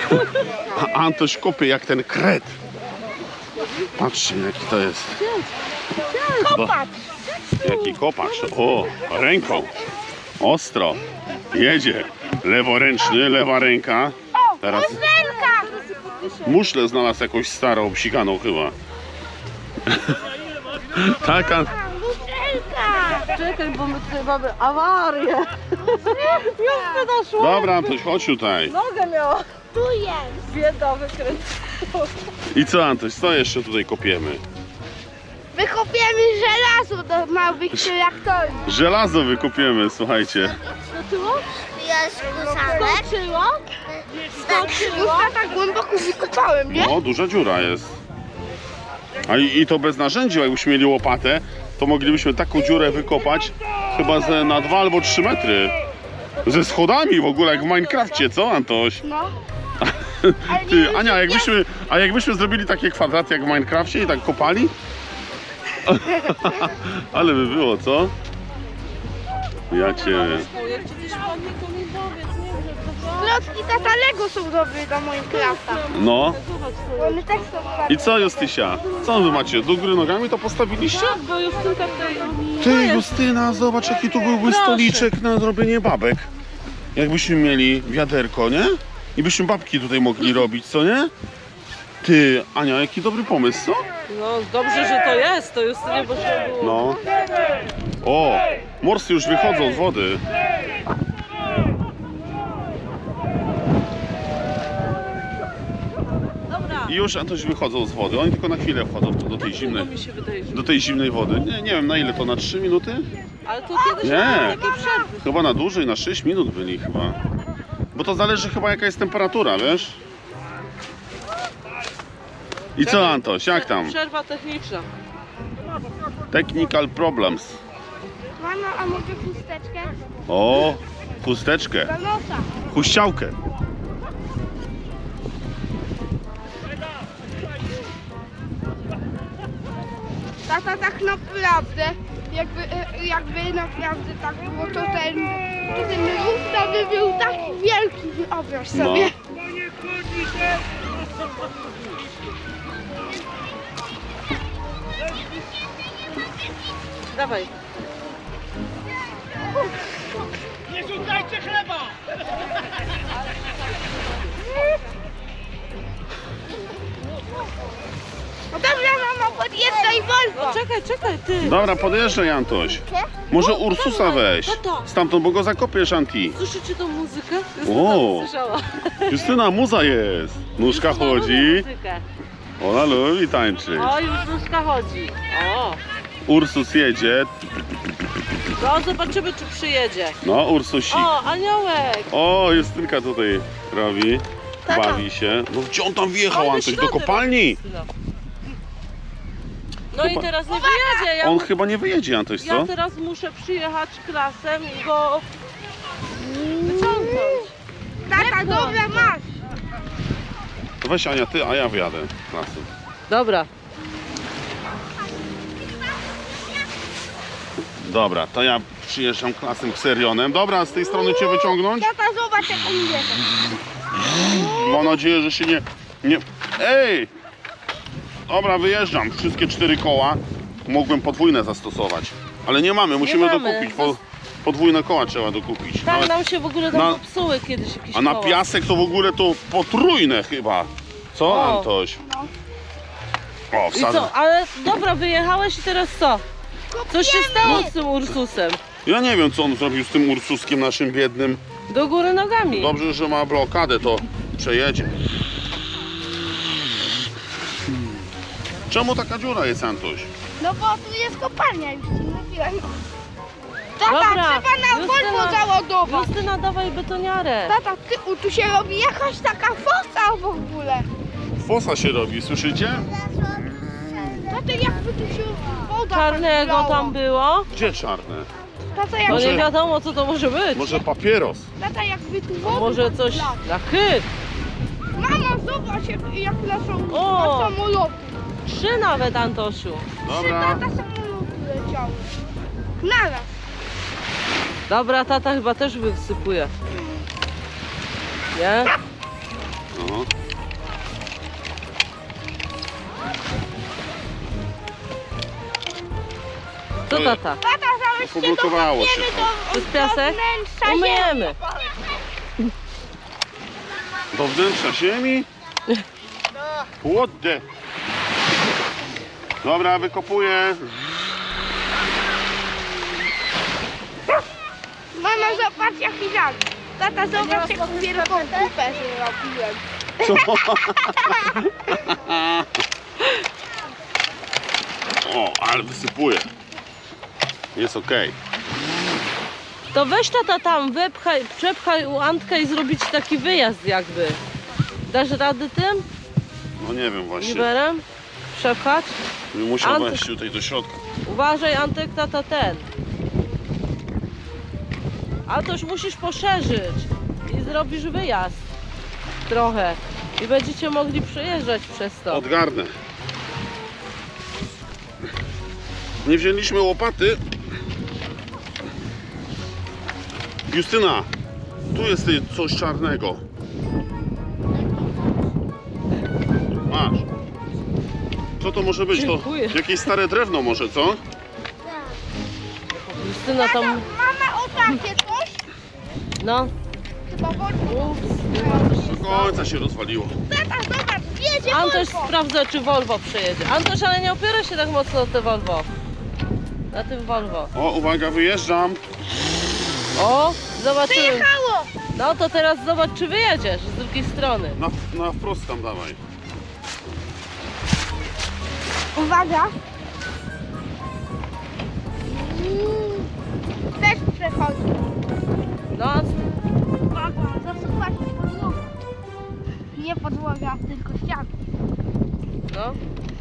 A Antoś kopie jak ten kret. Patrzcie, jaki to jest. Kopacz! Jaki kopacz. O, ręką. Ostro. Jedzie. Leworęczny, lewa ręka. Teraz Muszlelka! muszlę znalazł jakąś starą, obsikaną chyba. Taka. Muszlelka! Czekaj, bo my tutaj mamy awarię. Już doszło. Dobra, Antoś, chodź tutaj. Nogę miała. Tu jest! Bieda wykręcona. I co, Antoś, co jeszcze tutaj kopiemy? Wykopiemy żelazo do małych traktorów. Żelazo wykopiemy, słuchajcie. Skoczyło? Jest kusanek. Skoczyło? Już ja tak głęboko wykopałem, nie? No, duża dziura jest. A i to bez narzędzi, jakbyśmy mieli łopatę, to moglibyśmy taką dziurę wykopać chyba na 2 albo 3 metry. Ze schodami w ogóle, jak w Minecrafcie, co, Antoś? No. Ty, Ania, jakbyśmy zrobili takie kwadraty jak w Minecrafcie i tak kopali? Ale by było, co? Ja cię... Jak ci coś padnie, to mi powiedz, nie? Że to Klocki tata Lego są dobre do Minecrafta. No. One też są fajne. I co, Justysia? Co wy macie? Do góry nogami to postawiliście? Tak, bo Justynka tutaj... Ty, Justyna, zobacz, jaki tu byłby Proszę. stoliczek na zrobienie babek. Jakbyśmy mieli wiaderko, nie? I byśmy babki tutaj mogli robić, co nie? Ty, Ania, jaki dobry pomysł, co? No dobrze, że to jest, to Justynie bo się było. No. O, morsy już wychodzą z wody. Dobra. I już Antoś wychodzą z wody. Oni tylko na chwilę wchodzą do tej To zimnej, mi się wydaje, że... do tej zimnej wody. Nie wiem na ile to, na 3 minuty? Ale to kiedyś Nie. były takie przerwy. Chyba na dłużej, na 6 minut byli chyba. Bo to zależy chyba jaka jest temperatura, wiesz? I co, Antoś, jak tam? Przerwa techniczna. Technical problems. Mano, a mogę chusteczkę? O, chusteczkę, Do nosa. huściałkę. Tata tak naprawdę, jakby naprawdę tak było, to ten ruch to by był taki wielki, wyobraź sobie. No. Dawaj. No dobra, mamo, podjeżdżaj No Volvo. czekaj, ty. Dobra, podjeżdżaj, Antoś. Może Ursusa weź. Tato. Stamtąd, bo go zakopiesz, Anti. Słyszycie tą muzykę? O. Słyszała. Justyna, muza jest. Nóżka chodzi. Muzykę. Ona lubi tańczyć. O, już nóżka chodzi. O. Ursus jedzie. No, zobaczymy, czy przyjedzie. No, Ursusik. O, aniołek. O, Justynka tutaj robi. Tata. Bawi się. No gdzie on tam wjechał, Fajne Antoś? Do ślady kopalni? Justyna. No i teraz nie wyjedzie. Ja, On chyba nie wyjedzie, Antoś, ja co? teraz muszę przyjechać klasem i go wyciągnąć. Tata, dobra, masz. To weź Ania, ty, a ja wyjadę klasy. Dobra. Dobra, to ja przyjeżdżam klasem Xerionem. Dobra, z tej strony cię wyciągnąć? Tata, zobacz jak on jedzie. Mam nadzieję, że się nie... Ej! Dobra, wyjeżdżam. Wszystkie 4 koła. Mógłbym podwójne zastosować. Ale nie mamy, musimy mamy. dokupić. Podwójne koła trzeba dokupić. Tak Nawet- nam się w ogóle tam na- popsuły kiedyś jakieś A na koła. piasek to w ogóle to potrójne chyba. Co, O. Antoś? O, I wsadzę. co? Ale dobra, wyjechałeś i teraz co? Co się stało z tym Ursusem? Ja nie wiem, co on zrobił z tym Ursuskiem naszym biednym. Do góry nogami. Dobrze, że ma blokadę, to przejedzie. Czemu taka dziura jest, Antoś? No bo tu jest kopalnia, już ci mówiłem. Tata, Dobra, trzeba na Volvo załadować. Justyna, dawaj betoniarę. Tata, tu się robi jakaś taka fosa w ogóle. Fosa się robi, słyszycie? Tata, jakby tu się woda Czarnego tak tam było. Gdzie czarne? Tata, No jakby, nie wiadomo, co to może być. Może papieros? tata, jakby tu A woda może tak coś wlała. na chyt. Mama, zobacz jak lecą O! samoloty. 3 nawet, Antosiu. Dobra. Tata, samoloty leciały. Naraz. Dobra, tata chyba też wysypuje. Nie? No. Co tata? Tata, zaraz się Poblokowało się dokopniemy to. To jest piasek? wnętrza Umyjemy. Do wnętrza ziemi? What the... Dobra, wykopuję. Mama, zobacz jaki żart. Tata, zobacz jaką wielką kupę zrobiłem. Co? O, ale wysypuję. Jest okej. To weź tata tam, wepchaj, przepchaj u Antkę i zrobić taki wyjazd jakby. Dasz rady tym? No nie wiem właśnie. Liberem? Przepchać? Musiał Antek. wejść tutaj do środka. Uważaj Antek, tata ten. A to już musisz poszerzyć i zrobisz wyjazd trochę. I będziecie mogli przejeżdżać przez to. Odgarnę. Nie wzięliśmy łopaty. Justyna, tu jest coś czarnego. Masz. Co to może być? To Dziękuję. jakieś stare drewno może, co? Justyna tam... Mama, o takie coś? No. Chyba wodno. Ups, chyba coś się Do stało. końca się rozwaliło. Tata, zobacz, jedzie Antoś Volvo. sprawdza, czy Volvo przejedzie. Antoś, ale nie opiera się tak mocno o te Volvo. Na tym Volvo. O, uwaga, wyjeżdżam. O, zobaczymy. Przyjechało. No to teraz zobacz, czy wyjedziesz z drugiej strony. Na wprost tam dawaj. Uwaga. Też przechodzi. No, Uwaga, zasuwa się podłoga. Nie podłoga, tylko ściana. no.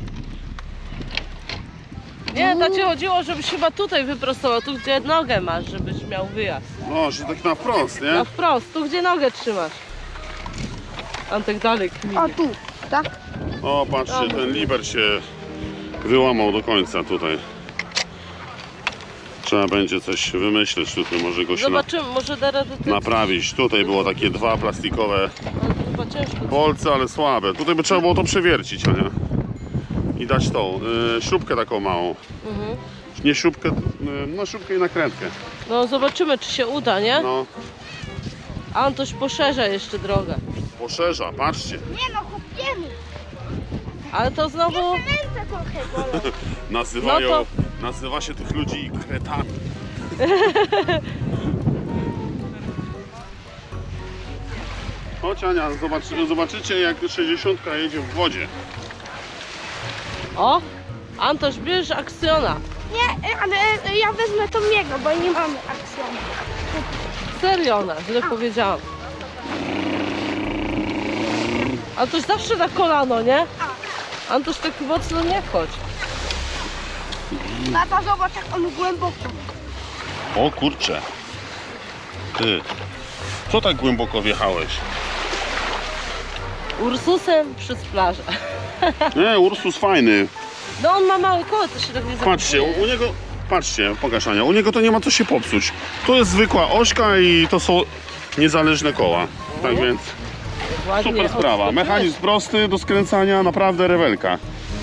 Nie, to ci chodziło, żebyś chyba tutaj wyprostował, tu gdzie nogę masz, żebyś miał wyjazd. No, że tak na wprost, nie? Na wprost, tu gdzie nogę trzymasz. Antek dalej kminie. O tu, tak? O, patrzcie, ten liber się wyłamał do końca tutaj. Trzeba będzie coś wymyśleć tutaj, może go się Zobaczymy, może da radę ty... naprawić. Tutaj było takie dwa plastikowe Ale to chyba ciężko. bolce, ale słabe. Tutaj by trzeba było to przewiercić, Ania. I dać tą śrubkę taką małą. Mhm. Nie śrubkę, no śrubkę i nakrętkę. No zobaczymy, czy się uda, nie? No, Antoś poszerza jeszcze drogę. poszerza, patrzcie. Nie no, kupiemy. Ale to znowu... Jeszcze ręce trochę bolą. Nazywają, No nazywa się tych ludzi kretami. Chodź Ania, zobaczycie jak 60 jedzie w wodzie. O! Antoś, bierz aksjona. Nie, ale ja wezmę to jego, bo nie mamy aksjonu. Serio ona, źle powiedziałam. Antoś zawsze na kolano, nie? Antoś taki mocno nie chodź. Tata, zobacz jak on głęboko. O kurcze. Ty, co tak głęboko wjechałeś? Ursusem przez plażę. Nie, Ursus fajny. No on ma małe koło, to się tak nie Patrzcie, zapomnie. u niego, patrzcie, pokaż Ania, u niego to nie ma co się popsuć. To jest zwykła ośka i to są niezależne koła. Tak więc Ładnie super sprawa. odskoczyłeś. Mechanizm prosty do skręcania, naprawdę rewelka.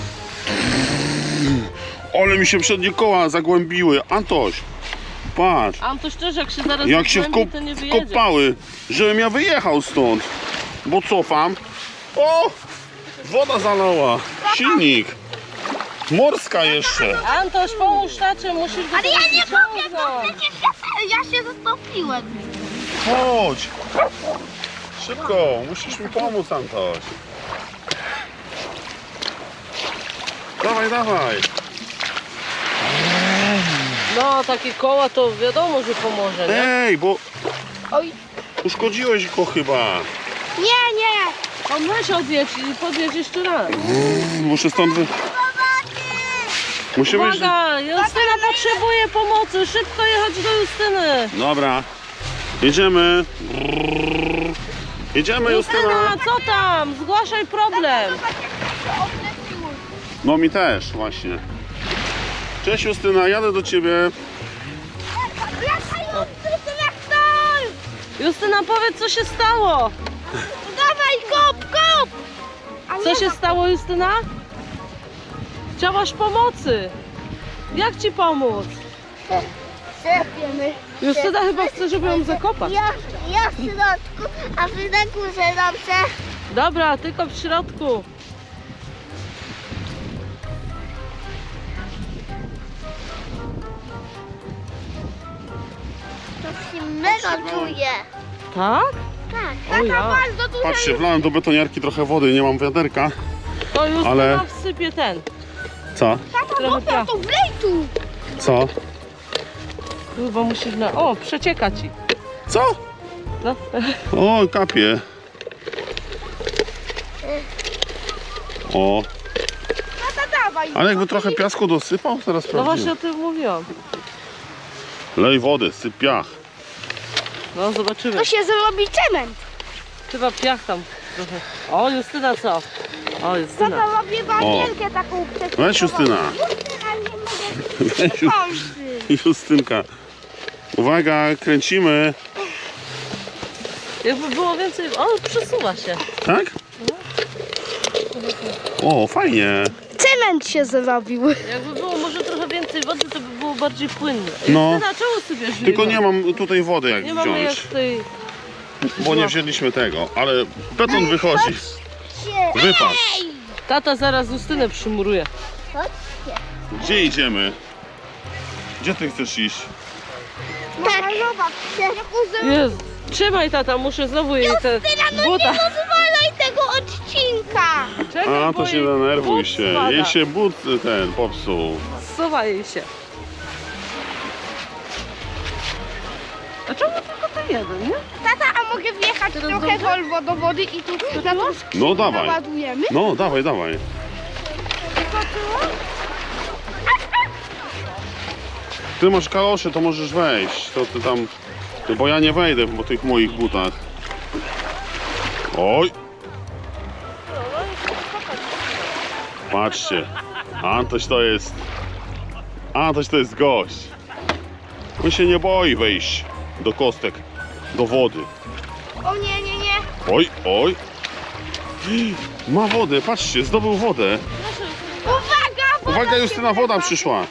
Ale mi się przednie koła zagłębiły. Antoś, patrz, Antoś też jak się zaraz jak się zagłębi, to nie wyjedzie. wkopały, żebym ja wyjechał stąd. Bo cofam. O! Woda zalała. Silnik. Morska jeszcze. Antoś, pomóż tacie, musisz go Ale ja nie kopię, bo wyciągnąć. przecież ja się zatopiłem. Chodź. Szybko, musisz mi pomóc, Antoś. Dawaj, dawaj. No, takie koła to wiadomo, że pomoże, nie? Ej, bo Oj, uszkodziłeś go chyba. nie. On weź odjedź i podjedź jeszcze raz. Muszę stąd Musimy... Uwaga, Justyna potrzebuje pomocy, szybko jechać do Justyny. Dobra. Jedziemy. Jedziemy, Justyna. Justyna, co tam? Zgłaszaj problem. No mi też, właśnie. Cześć Justyna, jadę do ciebie. Justyna, powiedz, co się stało. Dawaj go, Co się stało, Justyna? Chciałaś pomocy. Jak ci pomóc? Sypiemy. Justyna chyba chce, żeby ją zakopać. Ja w środku, a wy na górze dobrze. Dobra, tylko w środku. To się mega czuje. Tak? Tak. O ja. Bardzo dużo. Patrzcie, wlałem do betoniarki trochę wody, nie mam wiaderka. To Justyna Ale- wsypie ten. Co? Trochę Dobra, piachu. to wlej tu. Co? Chyba musisz na... O, przecieka ci. Co? No. O, kapie. O, Tata, dawaj. ale jakby trochę piasku dosypał, teraz No właśnie sprawdzimy. o tym mówiłam. Lej wodę, syp piach. No zobaczymy. To się zrobi cement. Chyba piach tam trochę. O, Justyna co? O, Justyna. Tata robię bagielkę taką przeciwko. Weź, Justyna. Justyna, nie mogę. Weź, Kończy. Justynka. Uwaga, kręcimy. Jakby było więcej... O, przesuwa się. Tak? O, fajnie. Cement się zrobił. Jakby było może trochę więcej wody, to by było bardziej płynne. No. Justyna, czemu sypiesz Tylko winę? nie mam tutaj wody jak Nie mamy jak wziąć, tej... bo nie wzięliśmy tego, ale beton wychodzi. Wypadł. Tata zaraz Justynę przymuruje. Chodźcie. Gdzie idziemy? Gdzie ty chcesz iść? Tak. Zobaczcie. Jezu. Trzymaj tata, muszę znowu jej te No buta. nie rozwalaj tego odcinka. Czekaj, A, bo to się jej denerwuj but się. spada. Jej się but ten popsuł. Zsuwa jej się. A czemu tylko ten jeden, nie? Tata, a mogę wjechać Teraz trochę dobrze? Volvo do wody i tu na tą No dawaj. naładujemy? No, dawaj, dawaj. Ty masz kalosze, to możesz wejść. To ty tam... Bo ja nie wejdę po tych moich butach. Oj! Patrzcie. Antoś to jest... Antoś to jest gość. On się nie boi wejść do kostek, do wody. O nie, nie, nie. Oj, oj. Ma wodę, patrzcie, zdobył wodę. Uwaga, woda Uwaga, się Justyna, woda wylewa. przyszła.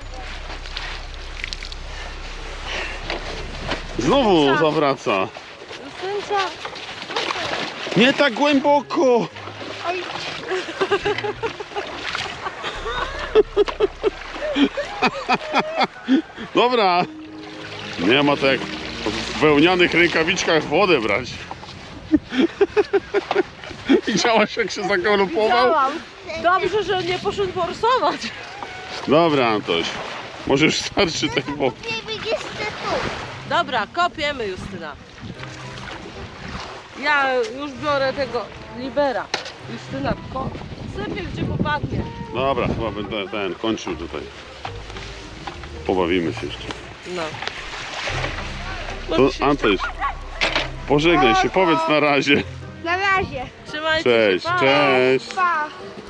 Znowu zawraca. Justynka. Nie tak głęboko. Oj, Dobra. Nie ma tak w wełnianych rękawiczkach wodę brać. Widziałaś, jak się zagalopował? widziałam. Dobrze, że nie poszedł forsować. Dobra, Antoś. Może już starczy tej wody. Nie będziesz tu. Dobra, kopiemy Justyna. Ja już biorę tego libera. Justyna, sypie gdzie popadnie. Dobra, chyba będę ten kończył tutaj. Pobawimy się jeszcze. No. To Antoś, pożegnaj się, powiedz na razie. Na razie. Trzymajcie Cześć, się, pa. cześć. Pa.